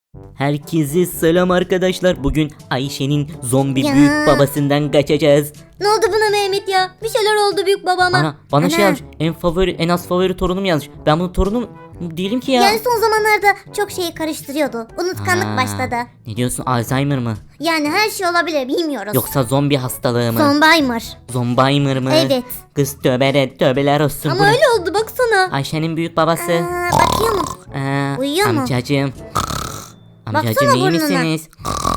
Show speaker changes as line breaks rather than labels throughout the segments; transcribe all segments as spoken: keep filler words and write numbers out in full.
Herkese selam arkadaşlar. Bugün Ayşe'nin zombi
Ya.
büyük babasından kaçacağız.
Ne oldu buna Mehmet ya? Bir şeyler oldu büyük babama.
Ana bana
Ana.
şey yazmış. En favori, en az favori torunum yazmış. Ben bunun torunum değilim ki ya.
Yani son zamanlarda çok şeyi karıştırıyordu. Unutkanlık
Ha,
başladı.
Ne diyorsun? Alzheimer mı?
Yani her şey olabilir, bilmiyoruz.
Yoksa zombi hastalığı mı?
Zombaimer.
Zombaimer mı?
Evet.
Kız tövbe tövbeler olsun.
Ama
Bu ne?
öyle oldu baksana.
Ayşe'nin büyük babası.
Aa, bakıyor mu?
Aa,
Uyuyor mu?
amcacığım. Amcacığım
Baksana
iyi
burnuna.
misiniz?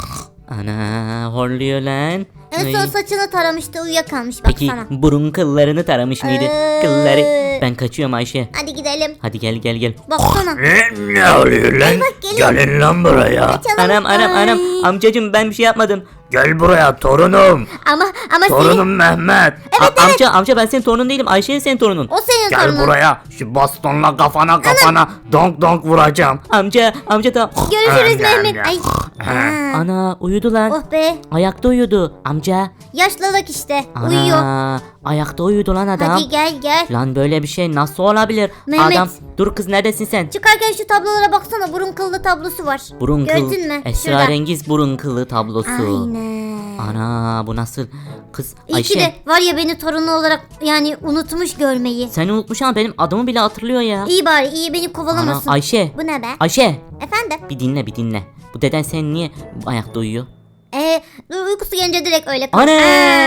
Ana horluyor lan.
En son
Ay.
saçını taramıştı, uyuyakalmış
Peki
baksana.
burun kıllarını taramış mıydı?
Ee.
Kılları. Ben kaçıyorum Ayşe.
Hadi gidelim.
Hadi gel gel gel.
Baksana.
Ne, ne oluyor lan?
bak, geliyor.
Gelin lan buraya.
Kaçalım.
Anam anam
Ay.
anam. Amcacığım ben bir şey yapmadım.
Gel buraya torunum.
Ama ama senin,
Torunum Mehmet.
A- Amca amca ben senin torunun değilim. Ayşe senin torunun.
o senin
Gel
torunun.
buraya. Şu bastonla kafana kafana donk donk vuracağım.
Amca amca da.
Görüşürüz
Anam
Mehmet.
ya.
Ay.
Ha.
Aa.
Ana uyudu lan.
Oh be.
Ayakta uyudu. Amca.
Yaşlılık işte.
Ana,
Uyuyor.
Ayakta uyudu lan adam.
Hadi gel gel.
Lan böyle bir şey nasıl olabilir?
Mehmet.
Adam dur kız neredesin sen?
Çıkarken şu tablolara baksana, burun kıllı tablosu var.
Burun kıl.
Gördün mü?
Esrarengiz burun kılı tablosu.
Aynen.
Ana bu nasıl? Kız
İyi
Ayşe.
ki de var ya beni torunu olarak yani unutmuş görmeyi.
Sen unutmuş ama benim adımı bile hatırlıyor ya.
İyi bari, iyi beni
Ana
kovalamasın.
Ayşe.
Bu ne be?
Ayşe.
Efendim?
Bir dinle bir dinle. Bu deden sen niye ayakta uyuyor?
Ee, uykusu gelince direkt öyle kal-
Anam!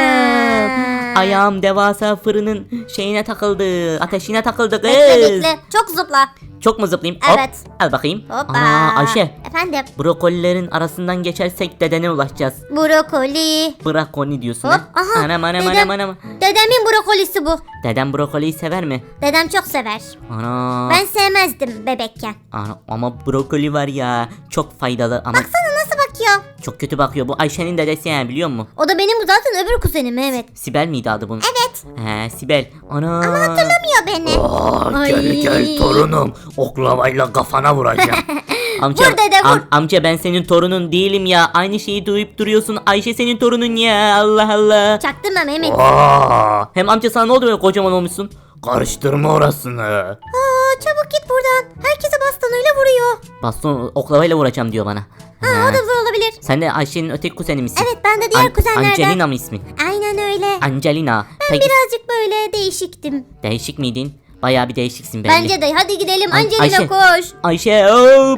Aa.
Ayağım devasa fırının şeyine takıldı. Ateşine takıldı kız.
Bekle bekle. Çok zıpla.
Çok mu zıplayayım?
Evet.
Hop. Al bakayım.
Hoppa.
Ana Ayşe.
Efendim?
Brokolilerin arasından geçersek dedene ulaşacağız.
Brokoli.
Brokoli diyorsun
Hop.
ha?
Aha.
Anam anam
dedem,
anam anam.
Dedemin brokolisi bu.
Dedem brokoliyi sever mi?
Dedem çok sever.
Ana.
Ben sevmezdim bebekken.
Ana ama brokoli var ya. Çok faydalı ama
Baksana nasıl bakıyor.
çok kötü bakıyor. Bu Ayşe'nin dedesi yani biliyor musun?
O da benim zaten öbür kuzenim Mehmet.
Sibel miydi adı bunun?
Evet.
He Sibel. Ana.
Hatırlamıyor beni.
Aa,
Ay.
gel gel torunum. Oklavayla kafana vuracağım.
Amca,
Vur dede, vur.
am- amca ben senin torunun değilim ya. Aynı şeyi duyup duruyorsun. Ayşe senin torunun ya. Allah Allah.
Çaktırma Mehmet.
Aa,
Hem amca sana ne oldu böyle kocaman olmuşsun?
karıştırma orasını.
Aa, çabuk git buradan. Herkese bastonuyla vuruyor.
Baston oklavayla vuracağım diyor bana.
Ha,
He.
o da zor olabilir.
Sen de Ayşe'nin öteki kuzeni misin?
Evet, ben de diğer
An-
kuzenlerden.
Angelina mı ismin?
Aynen öyle.
Angelina.
Ben
Peki
birazcık böyle değişiktim.
değişik miydin? Bayağı bir değişiksin belli.
Bence de. Hadi gidelim.
Ay-
Angelina
Ayşe.
koş.
Ayşe hop.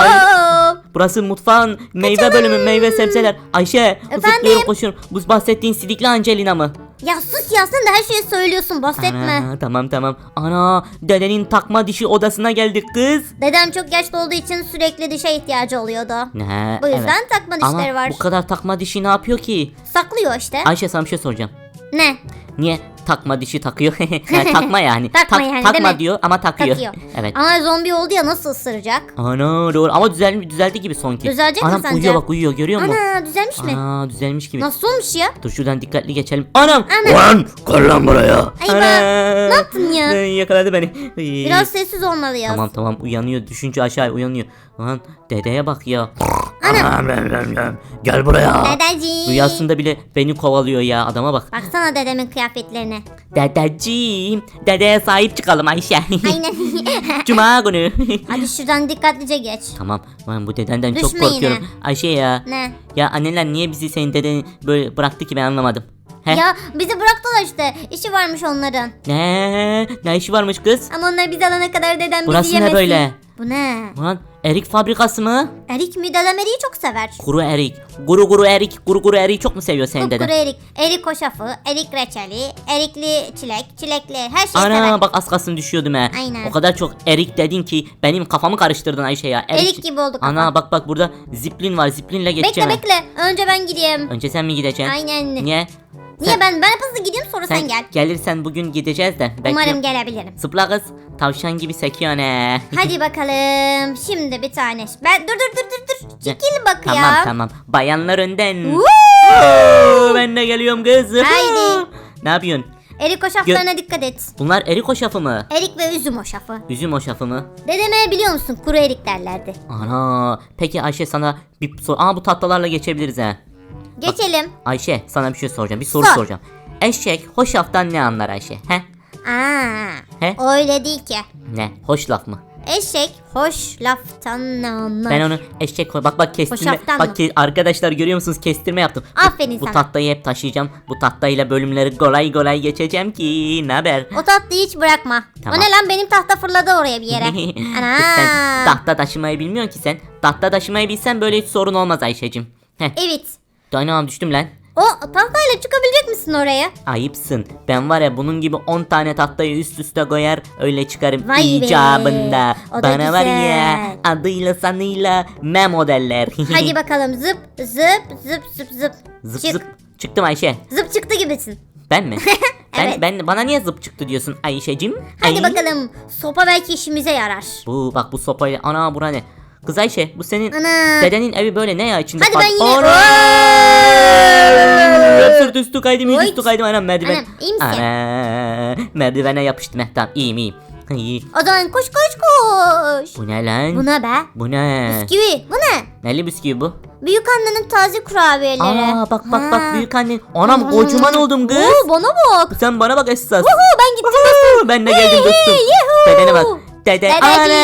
Oo.
Burası mutfağın meyve bölümü meyve sebzeler. Ayşe
Efendim?
zıplıyorum koşuyorum. Bu bahsettiğin sidikli Angelina mı?
Ya sus ya, sen de her şeyi söylüyorsun. Bahsetme.
Ana, tamam tamam. Ana dedenin takma dişi odasına geldik kız.
Dedem çok yaşlı olduğu için sürekli dişe ihtiyacı oluyordu.
Ne?
Bu yüzden
evet.
takma
Ama
dişleri var.
bu kadar takma dişi ne yapıyor ki?
Saklıyor işte.
Ayşe sana bir şey soracağım.
Ne?
Niye takma dişi takıyor? Yani takma yani.
Takma
Tak-
yani, değil
takma
mi?
diyor ama takıyor.
Takıyor.
Evet.
Ama zombi oldu ya, nasıl ısıracak?
Ana doğru ama düzel, düzeldi gibi son ki.
Düzelecek mi
Anam
sence?
uyuyor bak uyuyor görüyor musun?
Ana, düzelmiş mi?
Ana düzelmiş gibi.
Nasıl olmuş ya?
Dur şuradan dikkatli geçelim. Anam.
Ana.
Lan gel lan buraya.
Ay be, ne yaptın ya?
Ay, yakaladı beni. Ay.
Biraz sessiz olmalıyız.
Tamam tamam uyanıyor. Düşünce aşağı uyanıyor. Lan dedeye bak ya.
Anam, anam, anam. Gel buraya.
Dedeciğim.
Rüyasında bile beni kovalıyor ya adama bak.
Baksana dedemin kıyafetlerine.
Dedeciğim. Dedeye sahip çıkalım Ayşe.
Aynen.
Cuma günü.
Hadi şuradan dikkatlice geç.
Tamam. Ben bu dedenden çok
Düşme yine.
korkuyorum. Ayşe ya.
Ne?
Ya anneler niye bizi senin deden böyle bıraktı ki ben anlamadım. He?
Ya bizi bıraktılar işte. İşi varmış onların.
Ne? Ne işi varmış kız?
Ama onlar bizi alana kadar dedem
Burası
bizi
ne
yemesin.
böyle?
Bu ne?
Ulan erik fabrikası mı?
Erik mi? Dedem eriği çok sever.
Kuru erik. Guru guru erik. Guru guru eriği çok mu seviyor senin
Kupkuru
deden?
erik. Erik hoşafı, erik reçeli, erikli çilek, çilekli her şeyi
Ana
sever.
bak az kalsın düşüyordum he.
Aynen.
O kadar çok erik dedin ki benim kafamı karıştırdın Ayşe ya.
Erik gibi oldu kafam.
Ana bak bak burada ziplin var. Ziplinle geçeceğim.
Bekle bekle. Önce ben gideyim.
Önce sen mi gideceksin?
Aynen.
Niye?
Niye
Sen-
ben ben hızlı gideyim sonra sen, gel.
Gelirsen bugün gideceğiz de. Belki-
Umarım gelebilirim.
Zıpla kız. Tavşan gibi sekiyor ne?
Hadi bakalım. Şimdi bir tane. Ben dur dur dur dur dur. Çekil bak
Tamam
ya.
tamam. Bayanlar önden.
Woo!
Oo, ben de geliyorum kız.
Haydi.
Ne yapıyorsun?
Erik hoşaflarına dikkat et.
Bunlar erik hoşafı mı?
Erik ve üzüm hoşafı.
Üzüm hoşafı mı?
Dedeme biliyor musun? Kuru erik derlerdi.
Ana. Peki Ayşe sana bir soru. Aa bu tatlılarla geçebiliriz ha.
Geçelim.
Ayşe sana bir şey soracağım. Bir soru
Sor.
soracağım. Eşek hoşaftan ne anlar Ayşe? He?
Aa,
He?
öyle değil ki.
Ne? Hoş laf mı?
Eşek hoş laftan ne anlar?
Ben onu eşek koy. Bak bak kestirme.
Hoşaftan
Bak
mı?
ke- arkadaşlar görüyor musunuz? Kestirme yaptım. Bu-
Aferin
bu,
sana.
tahtayı hep taşıyacağım. Bu tahtayla bölümleri kolay kolay geçeceğim ki. Ne haber?
O tatlıyı hiç bırakma.
Tamam.
O ne lan, benim tahta fırladı oraya bir yere. Ana.
Kız sen tahta taşımayı bilmiyorsun ki sen. Tahta taşımayı bilsen böyle hiç sorun olmaz Ayşe'cim. Heh.
Evet.
Anam düştüm lan.
O tahtayla çıkabilecek misin oraya?
Ayıpsın. Ben var ya bunun gibi on tane tahtayı üst üste koyar öyle çıkarım
Vay be.
icabında.
O da
Bana var ya
güzel.
adıyla sanıyla Memo derler.
Hadi bakalım, zıp zıp zıp zıp zıp.
Zıp
Çık.
zıp. Çıktım Ayşe.
Zıp çıktı gibisin.
Ben mi? ben,
Evet.
ben bana niye zıp çıktı diyorsun Ayşe'cim?
Hadi
Ay.
bakalım, sopa belki işimize yarar.
Bu bak bu sopayla ana bura ne? Kız Ayşe bu senin
Ana.
dedenin evi böyle ne ya içinde?
Hadi
kal-
ben yine-
Ana! Sırt üstü kaydım yüz
Oy.
üstü kaydım anam merdiven.
Anam, iyi misin?
Ana, merdivene yapıştım. Heh, tamam iyiyim iyiyim. İyi.
O zaman koş koş koş.
Bu ne lan?
Bu ne be?
Bu ne?
Bisküvi. Bu ne?
Neli bisküvi bu?
Büyük annenin taze kurabiyeleri.
Aa bak bak
Ha.
bak büyük annen. Anam kocaman oldum kız.
Oo, bana bak.
Sen bana bak esas.
Uhu, ben gittim dostum.
Ben de geldim dostum.
Yuhu.
Dedene bak. Dede.
Dedeciğim.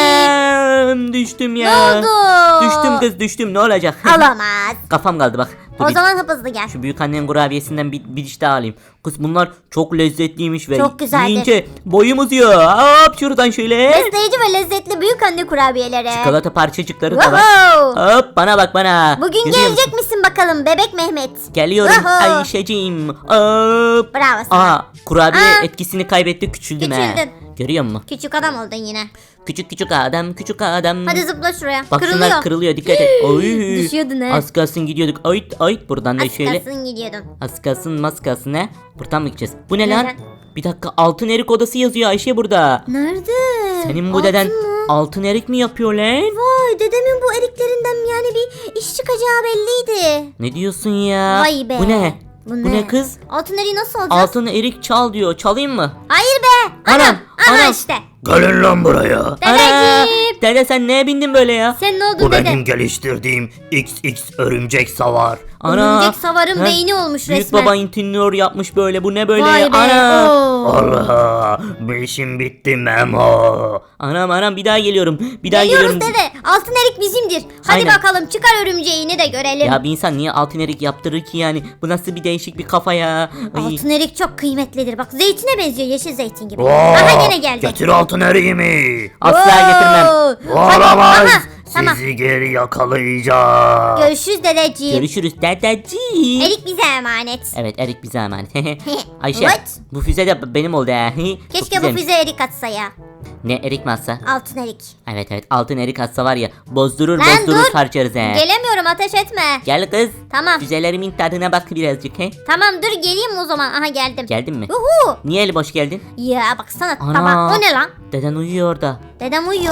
Anam düştüm
Ne
ya.
oldu?
Düştüm kız düştüm ne olacak?
Alamaz.
Kafam kaldı bak. Dur
O
bir-
zaman hıp hızlı gel.
Şu büyük annenin kurabiyesinden bir, bir diş daha alayım. Kız bunlar çok lezzetliymiş ve
Çok güzeldir.
yiyince boyum uzuyor. Hop şuradan şöyle.
Besleyici ve lezzetli büyük anne kurabiyeleri.
Çikolata parçacıkları da var.
Wow.
Hop bana bak bana.
Bugün
Görüyor
gelecek
musun?
misin bakalım bebek Mehmet?
Geliyorum
Wow.
Ayşe'cim. Hop.
Bravo sana.
Aa kurabiye
Aa.
etkisini kaybetti küçüldüm ha.
Küçüldün.
Görüyor musun?
Küçük adam oldun yine.
Küçük küçük adam küçük adam.
Hadi zıpla şuraya.
Bak
Kırılıyor.
şunlar kırılıyor dikkat et. Oy.
Düşüyordun ha.
Az kalsın gidiyorduk. Ayıt ayıt buradan da
Az
şöyle.
kalsın gidiyordun.
Az kalsın mas kalsın ne? Buradan mı gideceğiz? Bu ne lan?
Neden?
Bir dakika altın erik odası yazıyor Ayşe burada.
Nerede?
Senin bu
Altın
deden
mı?
altın erik mi yapıyor lan?
Vay, dedemin bu eriklerinden yani bir iş çıkacağı belliydi.
Ne diyorsun ya?
Vay be.
Bu ne?
Bu
Bu
ne?
ne kız?
Altın eriği nasıl alacağız?
Altın erik çal diyor. Çalayım mı?
Hayır be. Anam.
Anam,
Aha
anam.
işte.
Gelin lan buraya.
Dedeciğim.
Dede sen neye bindin böyle ya?
Sen ne oldun
Bu
dede?
benim geliştirdiğim X X örümcek savar.
Örümcek savarın
He?
beyni olmuş
Büyük
resmen.
baba intinör yapmış böyle. Bu ne böyle
Vay
ya?
be.
Ana.
oo.
Allah, bu işim bitti Memo.
Anam anam bir daha geliyorum. Bir daha
Geliyoruz
geliyorum.
dede. Altın erik bizimdir. Hadi
Aynen.
bakalım çıkar örümceğini de görelim.
Ya bir insan niye altın erik yaptırır ki yani? Bu nasıl bir değişik bir kafa ya? Ay.
Altın erik çok kıymetlidir. Bak zeytine benziyor, yeşil zeytin gibi.
Oo,
Aha yine geldi.
Getir altın eriğimi.
Asla getirmem.
Oo. Hadi,
Olamaz.
aha, tamam.
Sizi geri yakalayacağım.
Görüşürüz dedeciğim.
Görüşürüz dedeciğim.
Erik bize emanet.
Evet Erik bize emanet. Ayşe
What?
bu füze de benim oldu ha.
Keşke bu füze erik atsa ya.
Ne Erik mi atsa?
Altın erik.
Evet evet altın Erik atsa var ya bozdurur
Lan
bozdurur
dur.
harcarız he.
Gelemiyorum, ateş etme.
Gel kız.
Tamam.
Füzelerimin tadına bak birazcık he.
Tamam dur geleyim o zaman. Aha geldim.
Geldin mi?
Uhu.
Niye eli boş geldin?
Ya baksana
Ana.
tabak, o ne lan?
Deden uyuyor orada.
Dedem uyuyor.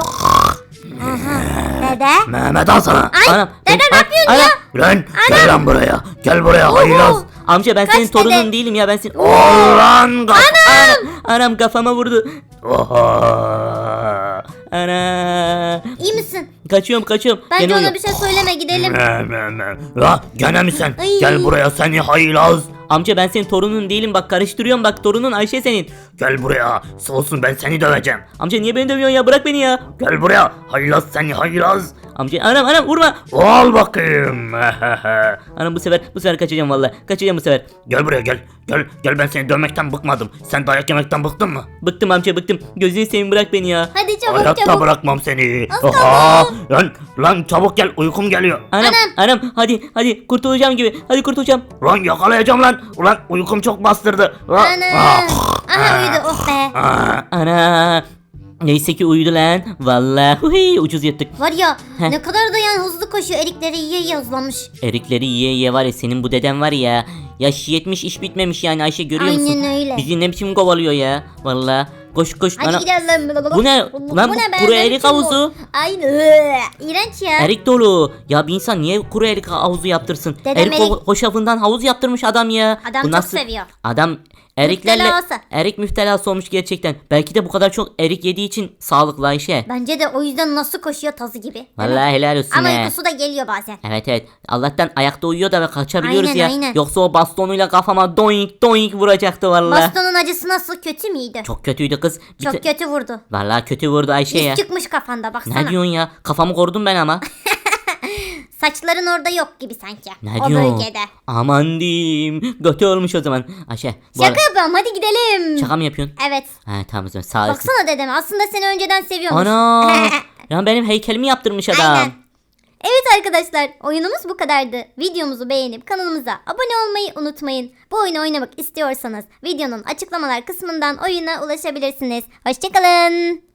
Aha. Dede.
Mehmet al sana.
Ay
Anam,
dede
ben-
ne yapıyorsun
Ana.
ya?
Lan gel lan buraya. Gel buraya haylaz.
Amca ben
Kaç
senin torunun
dede?
değilim ya ben senin...
Ol lan kaf-
Anam. Anam kafama vurdu.
Oha.
Ana.
İyi misin?
Kaçıyorum kaçıyorum.
Bence
Gene
ona
uyuyor.
bir şey söyleme, gidelim.
Me, me, me. La gene mi sen?
Ay.
Gel buraya seni haylaz.
Amca ben senin torunun değilim bak karıştırıyorum bak torunun Ayşe senin.
Gel buraya. Olsun ben seni döveceğim.
Amca niye beni dövüyorsun ya bırak beni ya.
Gel buraya. Haylaz seni haylaz.
Amca anam anam vurma.
Al bakayım.
Anam bu sefer bu sefer kaçacağım vallahi. Kaçacağım bu sefer.
Gel buraya gel. Gel gel ben seni dövmekten bıkmadım. Sen dayak yemekten bıktın mı?
Bıktım amca bıktım. Gözünü seveyim bırak beni ya.
Hadi çabuk
Hayatta
çabuk.
bırakmam seni.
Az kaldı.
Oha. Lan lan çabuk gel uykum geliyor.
Anam
Anam.
anam hadi hadi kurtulacağım gibi. Hadi kurtulacağım.
Lan yakalayacağım lan. Ulan uykum çok bastırdı. Ah,
Ana.
ah,
Aha uyudu, oh be.
ah.
Ana. Neyse ki uyudu lan. Vallahi huy, ucuz yattık.
Var ya
Heh.
ne kadar da yani hızlı koşuyor, erikleri yiye yiye hızlanmış.
Erikleri yiye yiye var ya senin bu deden var ya. Yaş yetmiş iş bitmemiş yani Ayşe görüyor musun?
Aynen öyle.
Bizi ne biçim kovalıyor ya. Vallahi koş koş.
Hadi
Ana-
gidelim.
Bu ne? Lan bu
be?
kuru
Ne
erik
biçim bu?
havuzu.
Aynı. İğrenç ya.
Erik dolu. Ya bir insan niye kuru erik havuzu yaptırsın?
Dedem
erik
erik-
ho- hoşafından havuz yaptırmış adam ya.
Adam
Bu
çok
nasıl-
seviyor.
Adam Eriklerle
Müptelası.
erik müptelası olmuş gerçekten. Belki de bu kadar çok erik yediği için sağlıklı Ayşe.
Bence de o yüzden nasıl koşuyor tazı gibi. Değil mi?
Vallahi helal olsun
Ama
he.
uykusu da geliyor bazen.
Evet evet. Allah'tan ayakta uyuyor da ve kaçabiliyoruz
Aynen,
ya.
aynen.
Yoksa o bastonuyla kafama doink doink vuracaktı vallahi.
Bastonun acısı nasıl, kötü müydü? Çok,
Çok kötüydü kız. Bir te-
kötü vurdu.
Vallahi kötü vurdu Ayşe ya.
İz çıkmış kafanda baksana.
Ne diyorsun ya? Kafamı korudum ben ama.
Saçların orada yok gibi sanki.
Ne
o
diyorsun?
bölgede.
Aman diyeyim. Kötü olmuş o zaman. Ayşe. Bu
Şaka
ara-
yapıyorum, hadi gidelim.
Şaka mı yapıyorsun?
Evet.
Ha tamam o zaman sağ olasın.
Baksana dedem, aslında seni önceden seviyormuş.
Ana. Ya benim heykelimi yaptırmış adam.
Aynen. Evet arkadaşlar, oyunumuz bu kadardı. Videomuzu beğenip kanalımıza abone olmayı unutmayın. Bu oyunu oynamak istiyorsanız videonun açıklamalar kısmından oyuna ulaşabilirsiniz. Hoşçakalın.